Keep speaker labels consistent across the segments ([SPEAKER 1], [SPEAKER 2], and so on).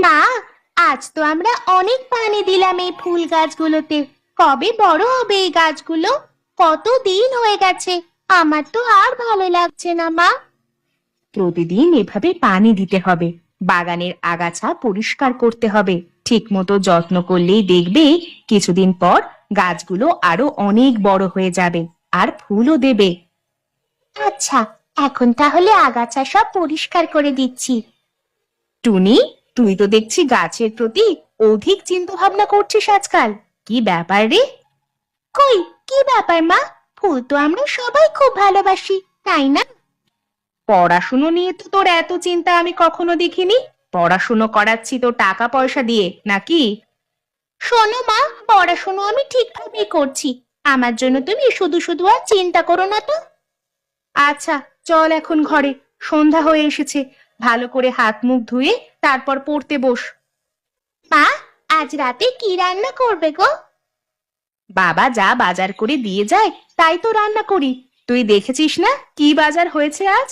[SPEAKER 1] মা, আজ তো আমরা অনেক পানি দিলাম এই ফুল গাছগুলোতে। কবে বড় হবে এই গাছগুলো? কত দিন হয়ে গেছে, আমার তো আর ভালো লাগছে না মা। প্রতিদিন এভাবে পানি দিতে হবে, বাগানের আগাছা পরিষ্কার করতে হবে। ঠিক মতো যত্ন করলেই দেখবে কিছুদিন পর গাছগুলো আরো অনেক বড় হয়ে যাবে আর ফুলও দেবে। আচ্ছা, এখন তাহলে আগাছা সব পরিষ্কার করে দিচ্ছি। টুনি, তুই তো দেখছি গাছের প্রতি অধিক চিন্তা ভাবনা করছিস আজকাল। কি ব্যাপার রে? কই, কি ব্যাপার মা? ফুল তো আমরা সবাই খুব ভালোবাসি, তাই না? পড়াশুনো নিয়ে তো তোর এত চিন্তা আমি কখনো দেখিনি। পড়াশুনো করাচ্ছি তো টাকা পয়সা দিয়ে, নাকি? শোনো মা, পড়াশুনো আমি ঠিকভাবেই করছি। আমার জন্য তুমি শুধু শুধু আর চিন্তা করো না তো। আচ্ছা, চল এখন ঘরে, সন্ধ্যা হয়ে এসেছে। ভালো করে হাত মুখ ধুয়ে তারপর পড়তে বস। মা, আজ রাতে কি রান্না করবে গো? বাবা যা বাজার করে দিয়ে যায় তাই তো রান্না করি। তুই দেখেছিস না কি বাজার হয়েছে আজ?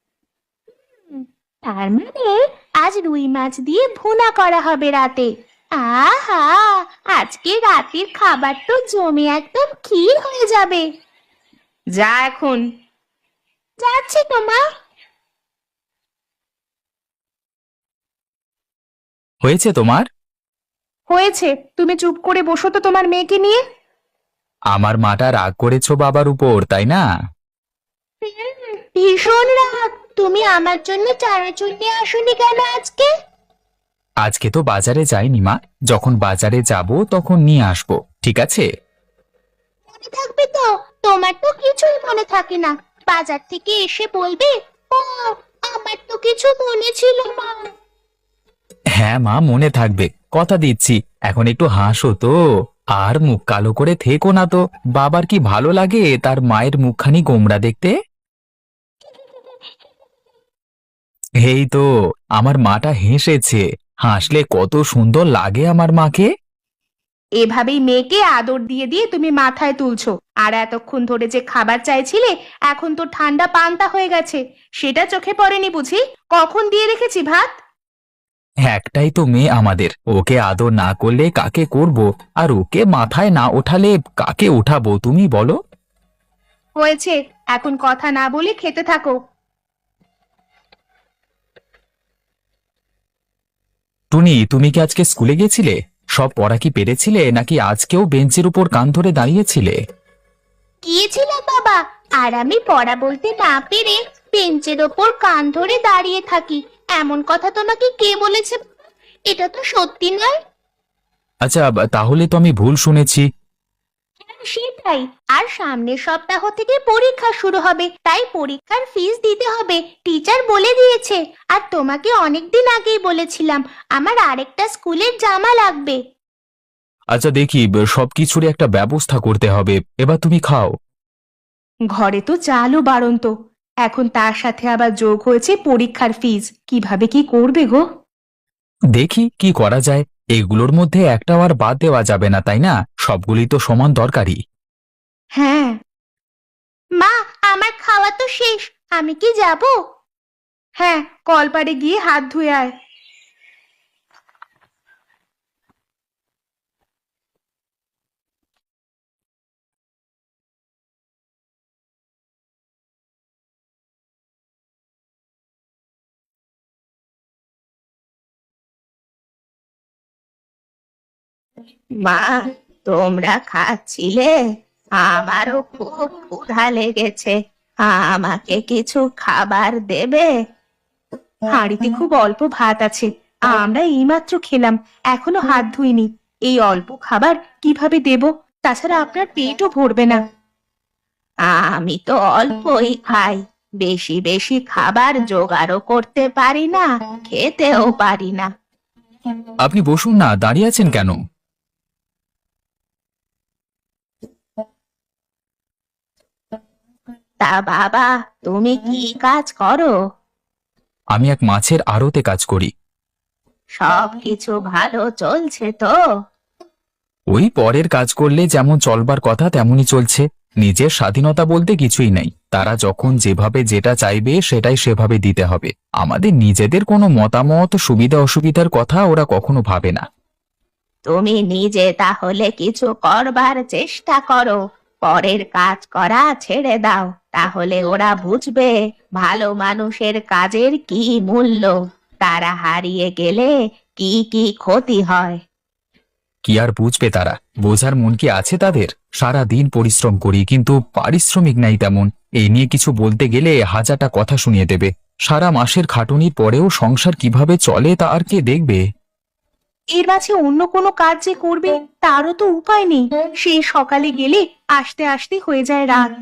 [SPEAKER 1] তার মানে আজ রুই মাছ দিয়ে ভুনা করা হবে রাতে। আহা, আজকে রাতের খাবার তো জমে একদম ক্ষীর হয়ে যাবে। যা এখন। যাচ্ছি তো মা।
[SPEAKER 2] হয়েছে তোমার?
[SPEAKER 1] হয়েছে, তুমি চুপ করে বসো তো তোমার মেয়েকে নিয়ে।
[SPEAKER 2] আমার মাটা রাগ করেছো বাবার উপর, তাই না?
[SPEAKER 1] ভীষণ রাগ। তুমি আমার জন্য চানাচুর নিয়ে আসোনি কেন আজকে?
[SPEAKER 2] আজকে তো বাজারে যাইনি মা, যখন বাজারে যাব তখন নিয়ে আসবো, ঠিক আছে?
[SPEAKER 1] মনে থাকবে তো? তোমার তো কিছুই মনে থাকে না। বাজার থেকে এসে বলবে, ও, আমার তো কিছু মনে ছিল মা।
[SPEAKER 2] হ্যাঁ মা, মনে থাকবে, কথা দিচ্ছি। এখন একটু হাসো তো, আর মুখ কালো করে থেকো না তো। বাবার কি ভালো লাগে তার মায়ের মুখখানি গোমড়া দেখতে? এই তো, আমার মাটা হেসেছে। হাসলে কত সুন্দর লাগে আমার মাকে।
[SPEAKER 1] এভাবেই মেয়েকে আদর দিয়ে দিয়ে তুমি মাথায় তুলছো। আর এতক্ষণ ধরে যে খাবার চাইছিলে, এখন তো ঠান্ডা পান্তা হয়ে গেছে। সেটা চোখে পড়েনি বুঝি? কখন দিয়ে রেখেছি ভাত।
[SPEAKER 2] একটাই তো মেয়ে আমাদের, ওকে আদর না করলে কাকে করব? আর ওকে মাথায় না ওঠালে কাকে উঠাবো তুমি বলো?
[SPEAKER 1] হয়েছে, এখন কথা না বলে খেতে থাকো।
[SPEAKER 2] টুনি, তুমি কি আজকে স্কুলে গেছিলে? সব পড়া কি পেরেছিলে, নাকি আজকেও বেঞ্চের উপর কান ধরে দাঁড়িয়েছিলে?
[SPEAKER 1] গিয়েছিলাম বাবা, আর আমি পড়া বলতে না পেরে বেঞ্চের ওপর কান ধরে দাঁড়িয়ে থাকি, এমন কথা তোমাকে কে বলেছে? এটা তো সত্যি নয়।
[SPEAKER 2] আচ্ছা, তাহলে তো আমি ভুল শুনেছি।
[SPEAKER 1] সেটাই। আর সামনের সপ্তাহ থেকে পরীক্ষা শুরু হবে, তাই পরীক্ষার ফিস দিতে হবে, টিচার বলে দিয়েছে। আর তোমাকে অনেকদিন আগেই বলেছিলাম আমার আরেকটা স্কুলের জামা লাগবে।
[SPEAKER 2] আচ্ছা দেখি, সবকিছুরই একটা ব্যবস্থা করতে হবে। এবার তুমি খাও।
[SPEAKER 1] ঘরে তো চালও বাড়ন্ত, এখন তার সাথে আবার যোগ হয়েছে পরীক্ষার ফিস। কিভাবে কি করবে গো?
[SPEAKER 2] দেখি কি করা যায়। এগুলোর মধ্যে একটাও আর বাদ দেওয়া যাবে না, তাই না? সবগুলি তো সমান দরকারি।
[SPEAKER 1] হ্যাঁ। মা, আমার খাওয়া তো শেষ, আমি কি যাব? হ্যাঁ, কলপাড়ে গিয়ে হাত ধুয়ে আয়। মা, তোমরা খাচ্ছিলে? আমারও খুব ক্ষুধা লেগেছে। আমাকে কিছু খাবার দেবে? হাঁড়িতে খুব অল্প ভাত আছে, আমরা এইমাত্র খেলাম, এখনো হাত ধুইনি। এই অল্প খাবার কিভাবে দেব? তাছাড়া আপনার পেটও ভরবে না। আমি তো অল্পই খাই, বেশি বেশি খাবার জোগাড়ও করতে পারি না, খেতেও পারি না।
[SPEAKER 2] আপনি বসুন না, দাঁড়িয়ে আছেন কেন?
[SPEAKER 1] তা বাবা, তুমি কি কাজ করো?
[SPEAKER 2] আমি এক মাছের আড়তে কাজ করি।
[SPEAKER 1] সবকিছু ভালো চলছে তো?
[SPEAKER 2] ওই পরের কাজ করলে যেমন চলবার কথা তেমনই চলছে। নিজের স্বাধীনতা বলতে কিছুই নেই, তারা যখন যেভাবে যেটা চাইবে সেটাই সেভাবে দিতে হবে। আমাদের নিজেদের কোনো মতামত সুবিধা অসুবিধার কথা ওরা কখনো ভাবে না।
[SPEAKER 1] তুমি নিজে তাহলে কিছু করবার চেষ্টা করো, পরের কাজ করা ছেড়ে দাও, তাহলে ওরা বুঝবে ভালো মানুষের কাজের কি মূল্য, তারা হারিয়ে গেলে কি কি ক্ষতি হয়।
[SPEAKER 2] কি আর বুঝবে তারা, বোঝার মন কি আছে তাদের? সারা দিন পরিশ্রম করি কিন্তু পারিশ্রমিক নাই তেমন। এই নিয়ে কিছু বলতে গেলে হাজারটা কথা শুনিয়ে দেবে। সারা মাসের খাটুনির পরেও সংসার কিভাবে চলে তা আর কে দেখবে?
[SPEAKER 1] এর মাঝে অন্য কোনো কাজ যে করবে তারও তো উপায় নেই, সেই সকালে গেলে আসতে আসতে হয়ে যায় রাত।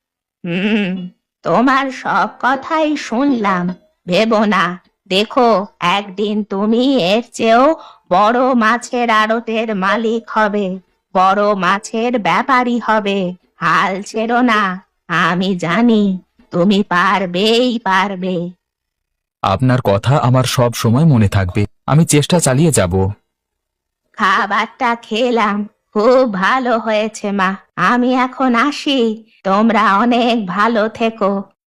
[SPEAKER 1] তোমার সব কথাই শুনলাম, ভেবো না, দেখো একদিন তুমি এর চেয়েও বড় মাছের আড়তের মালিক হবে, বড় মাছের ব্যাপারী হবে। হাল ছেড়ো না, আমি জানি তুমি পারবেই পারবে।
[SPEAKER 2] আপনার কথা আমার সব সময় মনে থাকবে, আমি চেষ্টা চালিয়ে যাব।
[SPEAKER 1] খাবারটা খেলাম, খুব ভালো হয়েছে মা, আমি এখন আসি, তোমরা অনেক ভালো থেকো।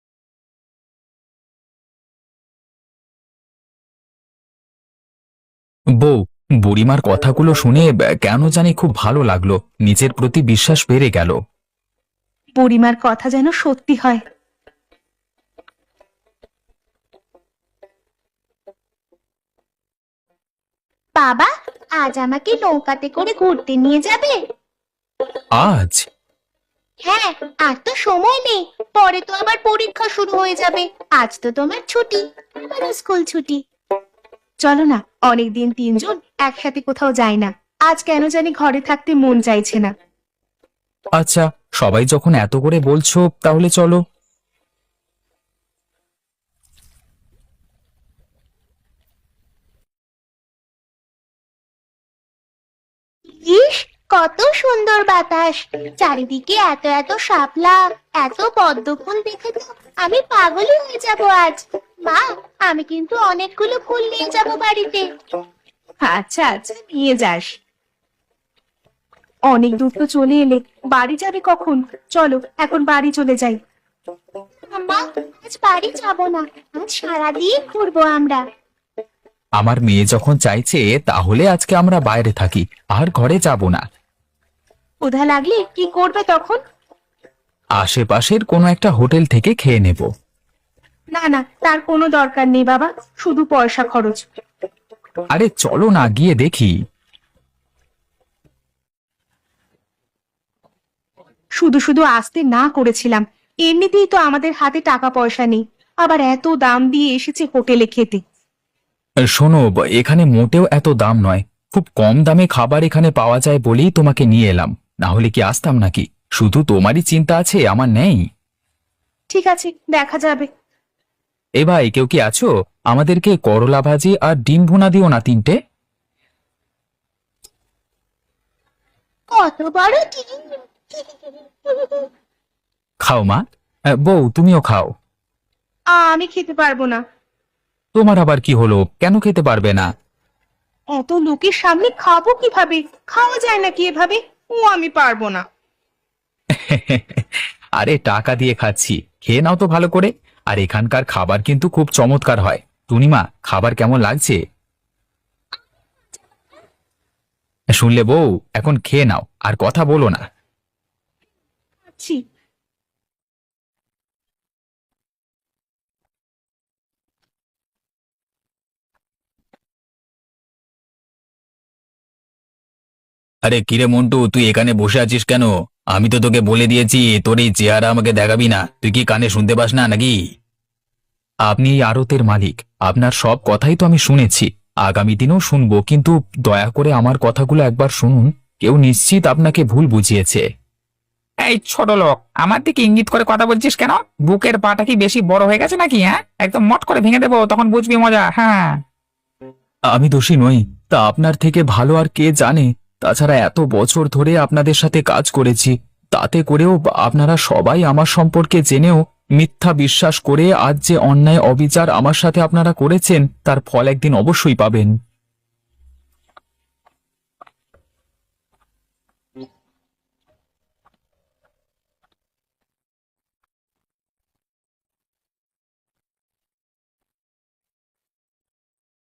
[SPEAKER 2] বউ, বুড়িমার কথাগুলো শুনে কেন জানি খুব ভালো লাগলো, নিজের প্রতি বিশ্বাস বেড়ে গেল।
[SPEAKER 1] বুড়িমার কথা যেন সত্যি হয়। বাবা, আজ আমাকে নৌকাতে করে ঘুরতে নিয়ে যাবে?
[SPEAKER 2] আজ?
[SPEAKER 1] হ্যাঁ, আর তো সময় নেই, পরে তো আবার পরীক্ষা শুরু হয়ে যাবে। আজ তো তোমার ছুটি, আমারও স্কুল ছুটি। চলো না, অনেকদিন তিনজন একসাথে কোথাও যাই না, আজ কেন জানি ঘরে থাকতে মন চাইছে না।
[SPEAKER 2] আচ্ছা, সবাই যখন এত করে বলছো তাহলে চলো।
[SPEAKER 1] ইস, কত সুন্দর বাতাস, চারিদিকে এত এত শাপলা, এত পদ্ম ফুল, দেখে তো আমি পাগলই হয়ে যাব আজ। মা, আমি কিন্তু অনেকগুলো ফুল নিয়ে যাব বাড়িতে। আচ্ছা আচ্ছা, নিয়ে যাস। অনেক দূর তো চলে এলে, বাড়ি যাবে কখন? চলো এখন বাড়ি চলে যাই। মা, আজ বাড়ি যাব না, আজ সারাদিন ঘুরবো আমরা।
[SPEAKER 2] আমার মেয়ে যখন চাইছে তাহলে আজকে আমরা বাইরে থাকি, আর ঘরে যাব না।
[SPEAKER 1] ক্ষুধা লাগলে কি করবে তখন?
[SPEAKER 2] আশেপাশের কোনো একটা হোটেল থেকে খেয়ে নেব।
[SPEAKER 1] না না, তার কোনো দরকার নেই বাবা, শুধু পয়সা খরচ।
[SPEAKER 2] আরে চলো না, গিয়ে দেখি।
[SPEAKER 1] শুধু শুধু আসতে না করেছিলাম, এমনিতেই তো আমাদের হাতে টাকা পয়সা নেই, আবার এত দাম দিয়ে এসেছে হোটেলে খেতে।
[SPEAKER 2] শোনো, এখানে মোটেও এত দাম নয়, খুব কম দামে খাবার এখানে পাওয়া যায় বলেই তোমাকে নিয়ে এলাম, না হলে কি আসতাম নাকি? শুধু তোমারই চিন্তা আছে, আমার নেই।
[SPEAKER 1] ঠিক আছে, দেখা যাবে।
[SPEAKER 2] এ ভাই, কেউ কি আছো? আমাদেরকে করলা ভাজি আর ডিম ভুনা দিও না, 3টে।
[SPEAKER 1] কত বড় ডিম!
[SPEAKER 2] খাও মা। বউ, তুমিও খাও।
[SPEAKER 1] আমি খেতে পারবো না।
[SPEAKER 2] তোমার আবার কি হলো, কেন খেতে পারবে না?
[SPEAKER 1] এত লোকের সামনে খাবো কিভাবে? খাওয়া যায় নাকি এভাবে? আমি পারবো না।
[SPEAKER 2] আরে টাকা দিয়ে খাচ্ছি, খেয়ে নাও তো ভালো করে। আর এখানকার খাবার কিন্তু খুব চমৎকার হয়। টুনিমা, খাবার কেমন লাগছে? শুনলে বউ, এখন খেয়ে নাও, আর কথা বলো না।
[SPEAKER 1] ছি।
[SPEAKER 2] আরে কিরে মন্টু, তুই এখানে বসে আছিস কেন? আমি তো তোকে বলে দিয়েছি তোর এই চেহারা আমাকে দেখাবি না, তুই কি কানে শুনতে পাস না নাকি? আপনি এই আড়তের মালিক, আপনার সব কথাই তো আমি শুনেছি, আগামী দিনেও শুনবো, কিন্তু দয়া করে আমার কথাগুলো একবার শুনুন। কেউ নিশ্চিত আপনাকে ভুল বুঝিয়েছে।
[SPEAKER 3] এই ছোট লোক, আমার দিকে ইঙ্গিত করে কথা বলছিস কেন? বুকের পাটা কি বেশি বড় হয়ে গেছে নাকি? হ্যাঁ, একদম মট করে ভেঙে দেবো, তখন বুঝবি মজা। হ্যাঁ,
[SPEAKER 2] আমি দোষী নই, তা আপনার থেকে ভালো আর কে জানে? তাছাড়া এত বছর ধরে আপনাদের সাথে কাজ করেছি, তাতে করেও আপনারা সবাই আমার সম্পর্কে জেনেও মিথ্যা বিশ্বাস করে আজ যে অন্যায় অবিচার আমার সাথে আপনারা করেছেন তার ফল একদিন অবশ্যই পাবেন।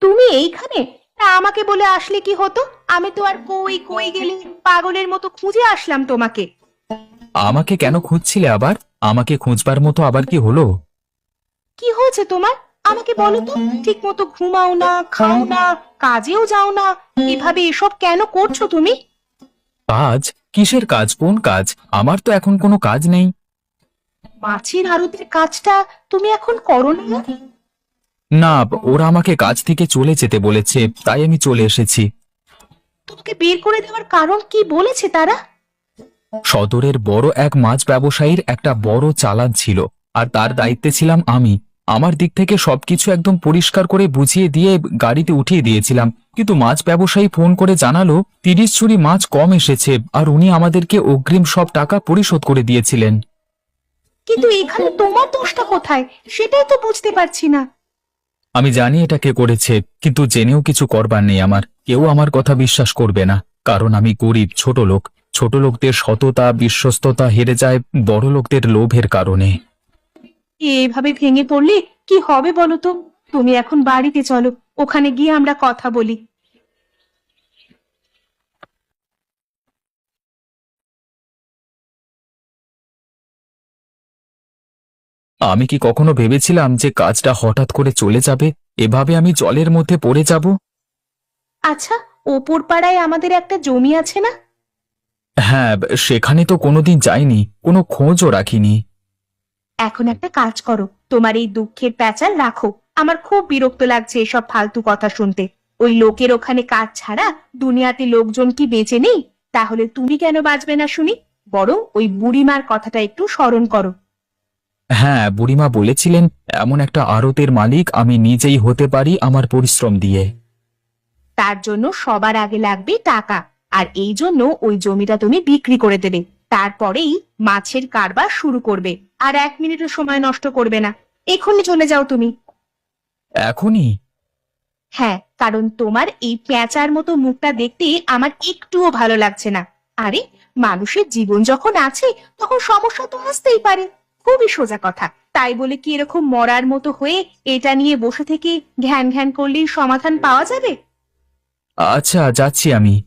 [SPEAKER 1] তুমি এইখানে? তা আমাকে বলে আসলে কি হতো? আমি তো আর কই কই গেলে পাগলের মতো খুঁজে আসলাম তোমাকে।
[SPEAKER 2] আমাকে কেন খুঁজছিলে আবার? আমাকে খুঁজবার মতো আবার কি হলো?
[SPEAKER 1] কি হয়েছে তোমার? আমাকে বলো তো। ঠিক মতো ঘুমাও না, খাও না, কাজেও যাও না, এভাবে এসব কেন করছো তুমি?
[SPEAKER 2] কাজ? কিসের কাজ? কোন কাজ? আমার তো এখন কোনো কাজ নেই।
[SPEAKER 1] মাছের আড়তের কাজটা তুমি এখন করো না?
[SPEAKER 2] না, ওরা আমাকে কাজ থেকে চলে যেতে বলেছে, তাই আমি চলে এসেছি।
[SPEAKER 1] তোমাকে বের করে দেওয়ার কারণ কি বলেছে তারা?
[SPEAKER 2] সদরের বড় এক মাছ ব্যবসায়ীর একটা বড় চালান ছিল, আর তার দায়িত্বে ছিলাম আমি। আমার দিক থেকে সবকিছু একদম পরিষ্কার করে বুঝিয়ে দিয়ে গাড়িতে উঠিয়ে দিয়েছিলাম, কিন্তু মাছ ব্যবসায়ী ফোন করে জানালো 30 ঝুড়ি মাছ কম এসেছে, আর উনি আমাদেরকে অগ্রিম সব টাকা পরিশোধ করে দিয়েছিলেন।
[SPEAKER 1] কিন্তু এখানে তোমার দোষটা কোথায় সেটাই তো বুঝতে পারছি না।
[SPEAKER 2] আমি জানি এটা কে করেছে, কিন্তু জেনেও কিছু করবার নেই আমার। কেউ আমার কথা বিশ্বাস করবে না, কারণ আমি গরিব ছোট লোক। ছোট লোকদের সততা বিশ্বস্ততা হেরে যায় বড় লোকদের লোভের কারণে।
[SPEAKER 1] এভাবে ভেঙে পড়লে কি হবে বলো তো? তুমি এখন বাড়িতে চলো, ওখানে গিয়ে আমরা কথা বলি।
[SPEAKER 2] আমি কি কখনো ভেবেছিলাম যে কাজটা হঠাৎ করে চলে যাবে, এভাবে আমি জলের মধ্যে পড়ে যাব?
[SPEAKER 1] আচ্ছা, ওপর পাড়ায় আমাদের একটা জমি আছে না?
[SPEAKER 2] হ্যাঁ, সেখানে তো কোনোদিন যাইনি, কোনো খোঁজও রাখিনি।
[SPEAKER 1] এখন একটা কাজ করো, তোমার এই দুঃখের প্যাচাল রাখো। আমার খুব বিরক্ত লাগছে এসব ফালতু কথা শুনতে। ওই লোকের ওখানে কাজ ছাড়া দুনিয়াতে লোকজন কি বেঁচে নেই? তাহলে তুমি কেন বাঁচবে না শুনি? বরং ওই বুড়িমার কথাটা একটু স্মরণ করো।
[SPEAKER 2] হ্যাঁ, বুড়িমা বলেছিলেন এমন একটা আড়তের মালিক আমি নিজেই হতে পারি আমার পরিশ্রম দিয়ে।
[SPEAKER 1] তার জন্য সবার আগে লাগবে টাকা, আর এই জন্য ওই জমিটা তুমি বিক্রি করে দেবে। তারপরেই মাছের কারবার শুরু করবে। আর 1 মিনিটও সময় নষ্ট করবে না। এক্ষুনি চলে যাও তুমি।
[SPEAKER 2] এখনই?
[SPEAKER 1] হ্যাঁ, কারণ তোমার এই পেঁচার মতো মুখটা দেখতে আমার একটুও ভালো লাগছে না। আরে, মানুষের জীবন যখন আছে তখন সমস্যা তো আসতেই পারে। খুবই সোজা কথা। তাই বলে কি এরকম মরার মতো হয়ে এটা নিয়ে বসে থেকে ঘ্যান ঘ্যান করলেই সমাধান পাওয়া যাবে?
[SPEAKER 2] আচ্ছা, যাচ্ছি আমি।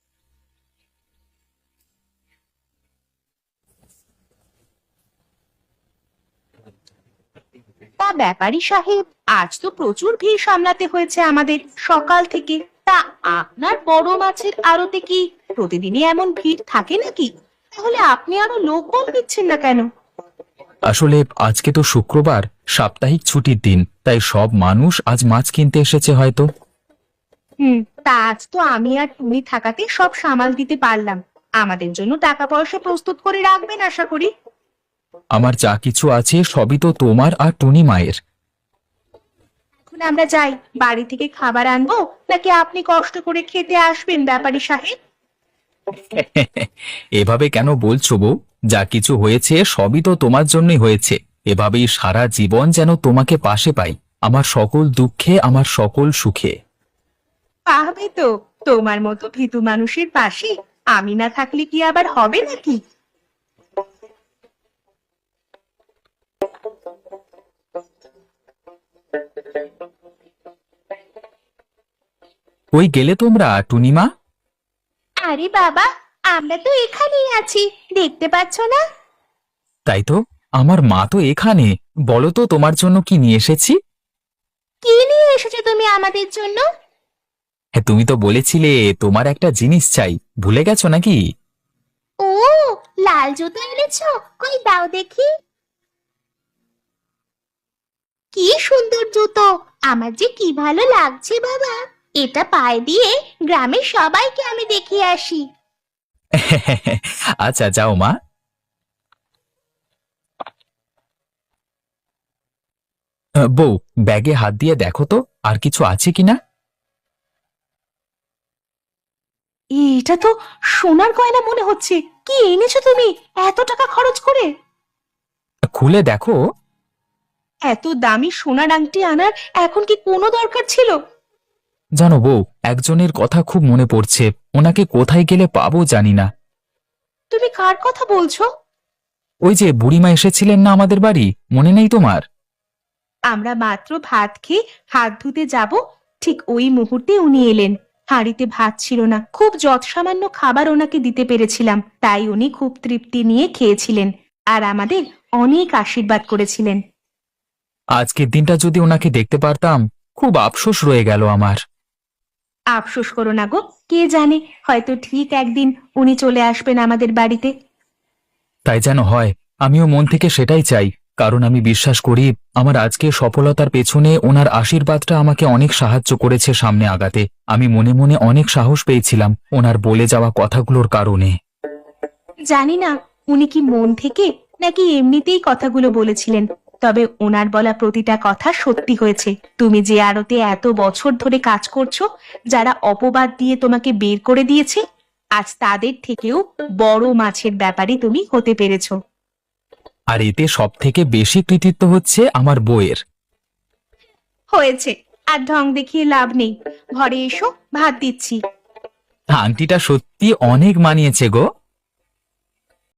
[SPEAKER 1] তা ব্যাপারী সাহেব, আজ তো প্রচুর ভিড় সামলাতে হয়েছে আমাদের সকাল থেকে। তা আপনার বড় মাছের আড়তে কি প্রতিদিনই এমন ভিড় থাকে নাকি? তাহলে আপনি আরো লোক বল দিচ্ছেন না কেন?
[SPEAKER 2] আসলে আজকে তো শুক্রবার, সাপ্তাহিক ছুটির দিন, তাই সব মানুষ আজ মাছ কিনতে এসেছে হয়তো।
[SPEAKER 1] তা আজ তো আমি আর তুমি থাকাতে সব সামাল দিতে পারলাম। আমাদের জন্য টাকা পয়সা প্রস্তুত করে রাখবেন আশা করি।
[SPEAKER 2] আমার যা কিছু আছে সবই তো তোমার আর টুনি মায়ের।
[SPEAKER 1] এখন আমরা যাই, বাড়ি থেকে খাবার আনবো নাকি আপনি কষ্ট করে খেতে আসবেন ব্যাপারী সাহেব?
[SPEAKER 2] এভাবে কেন বলছো বউ? যা কিছু হয়েছে সবই তো তোমার জন্যই হয়েছে। এভাবেই সারা জীবন যেন তোমাকে পাশে পাই, আমার সকল দুঃখে আমার সকল সুখে।
[SPEAKER 1] পাবে তো, তোমার মতো ভীতু মানুষের পাশে আমি না থাকলে কি আবার হবে নাকি?
[SPEAKER 2] কই গেলে তোমরা টুনিমা?
[SPEAKER 1] আরে বাবা, আমরা তো এখানেই আছি, দেখতে পাচ্ছ না?
[SPEAKER 2] তাই তো, আমার মা তো এখানে। বলো তো তোমার জন্য কি নিয়ে এসেছি?
[SPEAKER 1] কি নিয়ে এসেছো তুমি আমাদের জন্য?
[SPEAKER 2] হ্যাঁ, তুমি তো বলেছিলে তোমার একটা জিনিস চাই, ভুলে গেছো নাকি?
[SPEAKER 1] ও, লাল জুতো এনেছো? কই দাও দেখি। কি সুন্দর জুতো! আমার যে কি ভালো লাগছে বাবা। এটা পায়ে দিয়ে গ্রামের সবাইকে আমি দেখিয়ে আসি।
[SPEAKER 2] আচ্ছা, যাও মা। বউ, ব্যাগে হাত দিয়ে দেখো তো আর কিছু আছে কিনা।
[SPEAKER 1] এটা তো সোনার গয়না মনে হচ্ছে। কি এনেছো তুমি এত টাকা খরচ করে?
[SPEAKER 2] খুলে দেখো।
[SPEAKER 1] এত দামি সোনার আংটি আনার এখন কি কোনো দরকার ছিল?
[SPEAKER 2] জানো বউ, একজনের কথা খুব মনে পড়ছে, ওনাকে কোথায় গেলে পাবো জানি না।
[SPEAKER 1] তুমি কার কথা বলছো?
[SPEAKER 2] ওই যে বুড়িমা এসেছিলেন না আমাদের বাড়ি, মনে নেই তোমার?
[SPEAKER 1] আমরা মাত্র ভাত খেয়ে হাত ধুতে যাব, ঠিক ওই মুহূর্তে উনি এলেন। হাঁড়িতে ভাত ছিল না, খুব যৎসামান্য খাবার ওনাকে দিতে পেরেছিলাম, তাই উনি খুব তৃপ্তি নিয়ে খেয়েছিলেন আর আমাদের অনেক আশীর্বাদ করেছিলেন।
[SPEAKER 2] আজকের দিনটা যদি ওনাকে দেখতে পারতাম, খুব আফসোস রয়ে গেল আমার।
[SPEAKER 1] আফসোস করো না গো, কে জানে হয়তো ঠিক একদিন উনি চলে আসবেন আমাদের বাড়িতে।
[SPEAKER 2] তাই যেন হয়, আমিও মন থেকে সেটাই চাই। কারণ আমি বিশ্বাস করি আমার আজকের সফলতার পেছনে ওনার আশীর্বাদটা আমাকে অনেক সাহায্য করেছে সামনে আগাতে। আমি মনে মনে অনেক সাহস পেয়েছিলাম ওনার বলে যাওয়া কথাগুলোর কারণে।
[SPEAKER 1] জানি না উনি কি মন থেকে নাকি এমনিতেই কথাগুলো বলেছিলেন, তবে ওনার বলা প্রতিটা কথা সত্যি হয়েছে। তুমি যে আড়তে এত বছর ধরে কাজ করছো, যারা অপবাদ দিয়ে তোমাকে বের করে দিয়েছে, আজ তাদের থেকেও বড় মাছের ব্যাপারী তুমি হতে পেরেছো।
[SPEAKER 2] আর এতে সব থেকে বেশি কৃতিত্ব হচ্ছে আমার বউয়ের।
[SPEAKER 1] হয়েছে, আর ঢং দেখিয়ে লাভ নেই। ঘরে এসো, ভাত দিচ্ছি।
[SPEAKER 2] আংটিটা সত্যি অনেক মানিয়েছে গো।